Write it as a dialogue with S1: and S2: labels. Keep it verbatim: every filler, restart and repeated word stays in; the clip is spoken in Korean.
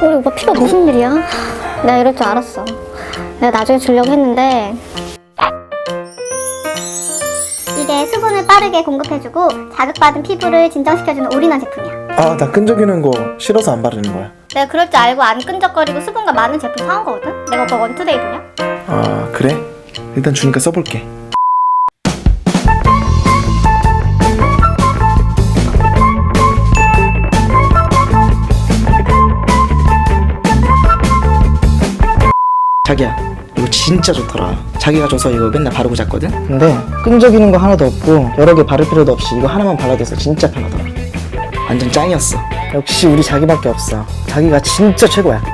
S1: 우리 오빠 피가 무슨 일이야? 내가 이럴 줄 알았어. 내가 나중에 주려고 했는데 이게 수분을 빠르게 공급해주고 자극받은 피부를 진정시켜주는 올인원 제품이야.
S2: 아, 나 끈적이는 거 싫어서 안 바르는 거야.
S1: 내가 그럴 줄 알고 안 끈적거리고 수분과 많은 제품 사온 거거든? 내가 오빠 원투데이 보냐?
S2: 아, 그래? 일단 주니까 써볼게.
S3: 자기야, 이거 진짜 좋더라. 자기가 줘서 이거 맨날 바르고 잤거든? 근데 끈적이는 거 하나도 없고 여러 개 바를 필요도 없이 이거 하나만 발라도 돼서 진짜 편하더라. 완전 짱이었어. 역시 우리 자기밖에 없어. 자기가 진짜 최고야.